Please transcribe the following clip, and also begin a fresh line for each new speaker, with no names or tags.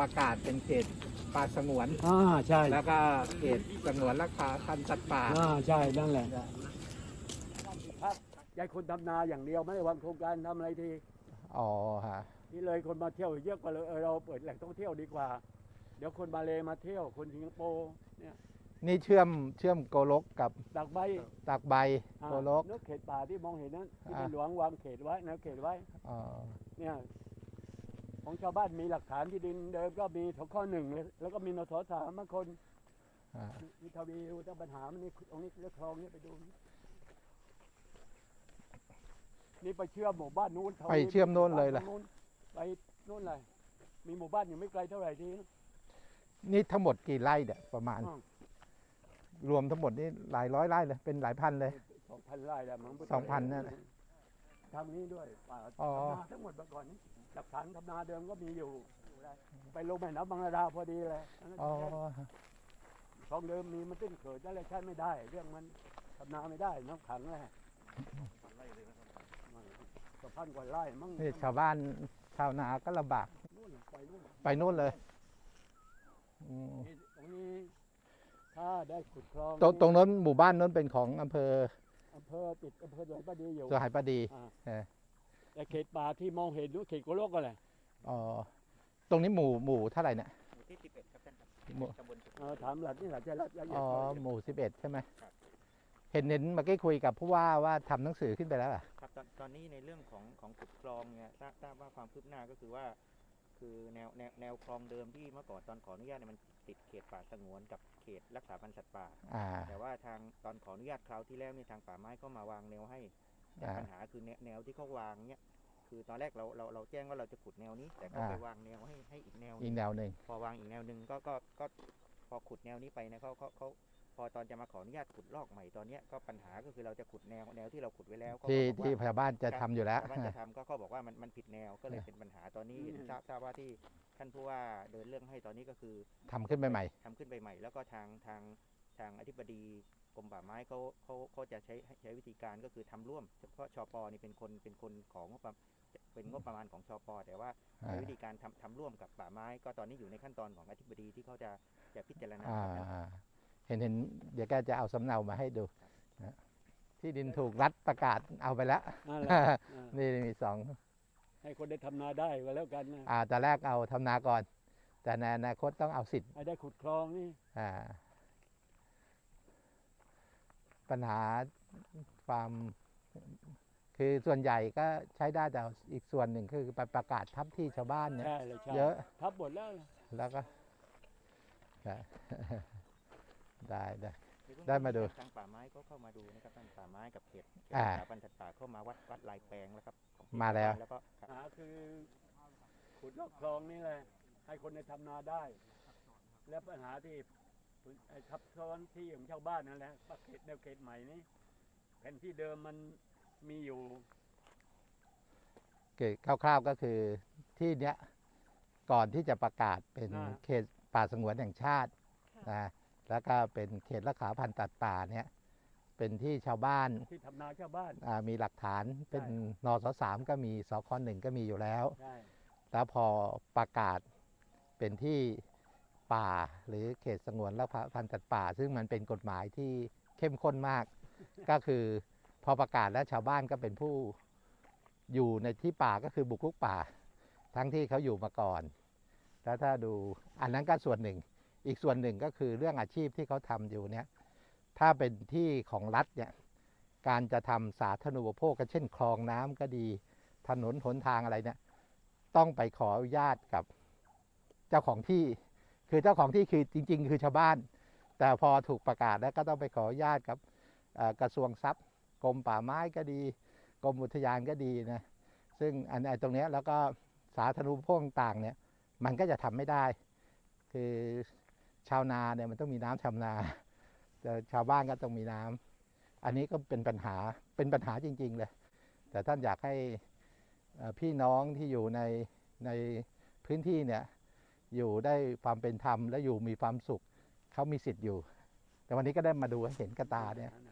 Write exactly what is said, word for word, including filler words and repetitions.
ประกาศเป็นเขตป่าสงวน
อ่าใช่
แล้วก็เขตสงวนรักษาพันธุ์สัตว์ป่า
อ่าใช่นั่นแหละครับยายคนทำนาอย่างเดียวไม่ได้วางโครงการทำอะไรที
อ๋อฮะ
นี่เลยคนมาเที่ยวเยอะกว่าเลยเออเราเปิดแหล่งท่องเที่ยวดีกว่า เดี๋ยวคนมาเลมาเที่ยวคนสิงคโปร์เนี่ย
นี่เชื่อมเชื่อมโกลกกับ
ดักใบ
ตากใบ
อ่า
โกลก
นกเขตป่าที่มองเห็นนั้นที่
อ่า
เป็นหลวงวางเขตไว้แนวเขตไว้
อ๋อ
เนี่ยของชาวบ้านมีหลักฐานที่ดินเดิมก็มีข้อหนึ่งเลยแล้วก็มีนสสามบางคน
อ่า
มีทวีอุตปัญหามันนี่ตรงนี้เรื่องคลองนี่ไปดูนี่นี่ไปเชื่อมหมู่บ้านนู้นทวี
ไปเชื่อมโน่นเลย
ห
ล่ะ
ไปนู้นเลยมีหมู่บ้านอยู่ไม่ไกลเท่าไหร่ที
นี่ทั้งหมดกี่ไร่เนี่ยประมาณ
อ้าว
รวมทั้งหมดนี่หลายร้อยไร่เลยเป็นหลายพันเลย
สองพันไร่แล้วมั้ง
สองพันนั่นแหละ
ทางนี้ด้วยป่า
อ๋อ
ทำนาทั้งหมดเมื่อก่อนนี้หลักฐานทำนาเดิมก็มีอยู่ ไปลงแม่น้ำบางระดาพอดีเลยอันนั้น
อ๋อ
คลองเดิมมีมันตื้นเขิดนั่นเลยใช้ไม่ได้ เรื่องมันทำนาไม่ได้น้ำขังแหละสองพันกว่าไร่มั้ง
นี่ชาวบ้านชาวนาก็ลำบาก
นู่นไปนู่น
ไปโน่นเลยอืม
นี่ตรงนี้ถ้าได้ขุดคลอง
ตรงตรงนั้นหมู่บ้านนั้นเป็นของอำเภอ
อำเภอติดอำเภอดอยปะดีอยู่
สหายประดี
อ่า
เออ
แต่เขตป่าที่มองเห็นนู้นเขตโกโลกก็แหละ
อ๋อตรงนี้หมู่หมู่เท่าไหร่เนี่ย
หมู่ที่สิบเอ็ดครับท่านครับ
หมู่
ตำบลสุข
เออถามหลัดนี่หลัดจะรับละเอียด
อ๋อ
หน่อย
หมู่สิบเอ็ดใช่ไหม
ครับ
เห็นเห็นเมื่อกี้คุยกับผู้ว่าว่าทำหนังสือขึ้นไปแล้วอ่ะ
ครับตอนตอนนี้ในเรื่องของของขุดคลองเนี่ยทราบทราบว่าความคืบหน้าก็คือว่า คือแนวแนวแนวคลองเดิมที่เมื่อก่อนตอนขออนุญาตเนี่ยมันติดเขตป่าสงวนกับเขตรักษาพันธุ์สัตว์ป่า
อ่า
แต่ว่าทางตอนขออนุญาตคราวที่แล้วเนี่ยทางป่าไม้ก็มาวางแนวให้แต่
อ่า
ปัญหาคือแนวแนวที่เขาวางเนี่ยคือตอนแรกเราเราเราแจ้งว่าเราจะขุดแนวนี้ แต่เขา
อ่า
ไปวางแนวให้ให้อีกแนวห
อี
นึ่
ก
ง
แนวหนึ่ง
พอวางอีกแนวหนึ่งก็ก็ก็พอขุดแนวนี้ไปนะเขาเขาเขาพอตอนจะมาขออนุญาตขุดลอกใหม่ตอนเนี้ยก็ปัญหาก็คือเราจะขุดแนวแนวที่เราขุดไว้แล้วเขาก็
ที่
บอกว่า
ที่ชาวบ้านจะทำอยู่แล้ว
ชาวบ้านจะทำก็เขาบอกว่ามันมันผิดแนวก็เลย
เนี่ย
เป็นปัญหาตอนนี้ทราบทราบว่าที่ท่านผู้ว่าเดินเรื่องให้ตอนนี้ก็คือ
ทำขึ้นไปใหม่
ทำขึ้นไปใหม่ แล้วก็ทางทางทางอธิบดีกรมป่าไม้เขาเขาเขาจะใช้ใช้วิธีการก็คือทำร่วมเพราะชปนี่เป็นคนเป็นคนของงบประมาณเป็นงบประมาณของชปแต่ว่า
อ่า
ใช้วิธีการทำทำร่วมกับป่าไม้ ก็ตอนนี้อยู่ในขั้นตอนของอธิบดีที่เขาจะจะพิจารณา
อ่า
ครับ
อ่าเห็นเห็นเดี๋ยวแกจะเอาสำเนามาให้ดูนะที่ดินถูกรัฐประกาศเอาไปแล้ว
นั่นแหละอ่า
นี่มีสอง
ให้คนได้ทำนาได้ก็แล้วกันนะ
อ่าแต่แรกเอาทำนาก่อน แต่ในอนาคตต้องเอาสิทธิ์
ให้ได้ขุดคลองนี่
อ่าปัญหาความคือส่วนใหญ่ก็ใช้ได้แต่อีกส่วนหนึ่งคือไปประกาศทับที่ชาวบ้านเนี่ย
ใช่เลยใช่
เยอะ
ทับหมดแล้วล่ะ
แล้วก็ ได้ได้ได้
ในเบื้อง
ได้
ต้น
มาดู
ทางป่าไม้ก็เข้ามาดูนะครับทางป่าไม้กับเขตเขต
อ่า
รักษาพันธุ์สัตว์ป่าเข้ามาวัดวัดลายแปลงแล้วครับของเขต
มาแล้ว
แล้วก็ครับ
ปัญหาคือขุดลอกคลองนี่แหละให้คนได้ทำนาได้ และปัญหาที่ไอ้ทับซ้อนที่ของชาวบ้านนั่นแหละประเขตแนวเขตใหม่นี้แผนที่เดิมมันมีอยู่
เกตคร่าวๆก็คือที่เนี้ยก่อนที่จะประกาศเป็น
อ่า
เขตป่าสงวนแห่งชาตินะแล้วก็เป็นเขตรักษาพันธุ์สัตว์ป่าเนี่ยเป็นที่ชาวบ้าน
ที่ทำนาชาวบ้าน
อ่ามีหลักฐานเป็น
ใช่
นสสามก็มีสคหนึ่งก็มีอยู่แล้ว
ใช่
แล้วพอประกาศเป็นที่ป่าหรือเขตสงวนรักษาพันธุ์สัตว์ป่า ซึ่งมันเป็นกฎหมายที่เข้มข้นมาก ก็คือพอประกาศแล้วชาวบ้านก็เป็นผู้อยู่ในที่ป่าก็คือบุกรุกป่า ทั้งที่เขาอยู่มาก่อน แล้วถ้าดูอันนั้นก็ส่วนหนึ่ง อีกส่วนหนึ่งก็คือเรื่องอาชีพที่เขาทำอยู่เนี่ยถ้าเป็นที่ของรัฐเนี่ยการจะทำสาธารณูปโภคก็เช่นคลองน้ำก็ดีถนนหนทางอะไรเนี่ยต้องไปขออนุญาตกับเจ้าของที่คือเจ้าของที่คือจริงๆ คือชาวบ้าน แต่พอถูกประกาศแล้วก็ต้องไปขออนุญาตกับเอ่อกระทรวงทรัพย์กรมป่าไม้ก็ดีกรมอุทยานก็ดีนะซึ่งอันไอ้ตรงเนี้ยแล้วก็สาธารณูปโภคต่างๆเนี่ยมันก็จะทำไม่ได้ คือชาวนาเนี่ยมันต้องมีน้ำชำนาแต่ชาวบ้านก็ต้องมีน้ำอันนี้ก็เป็นปัญหาเป็นปัญหาจริงๆเลยแต่ท่านอยากให้เอ่อพี่น้องที่อยู่ในในพื้นที่เนี่ยอยู่ได้ความเป็นธรรมและอยู่มีความสุขเขามีสิทธิ์อยู่ แต่วันนี้ก็ได้มาดูให้เห็นกระตาเนี่ย
นั่น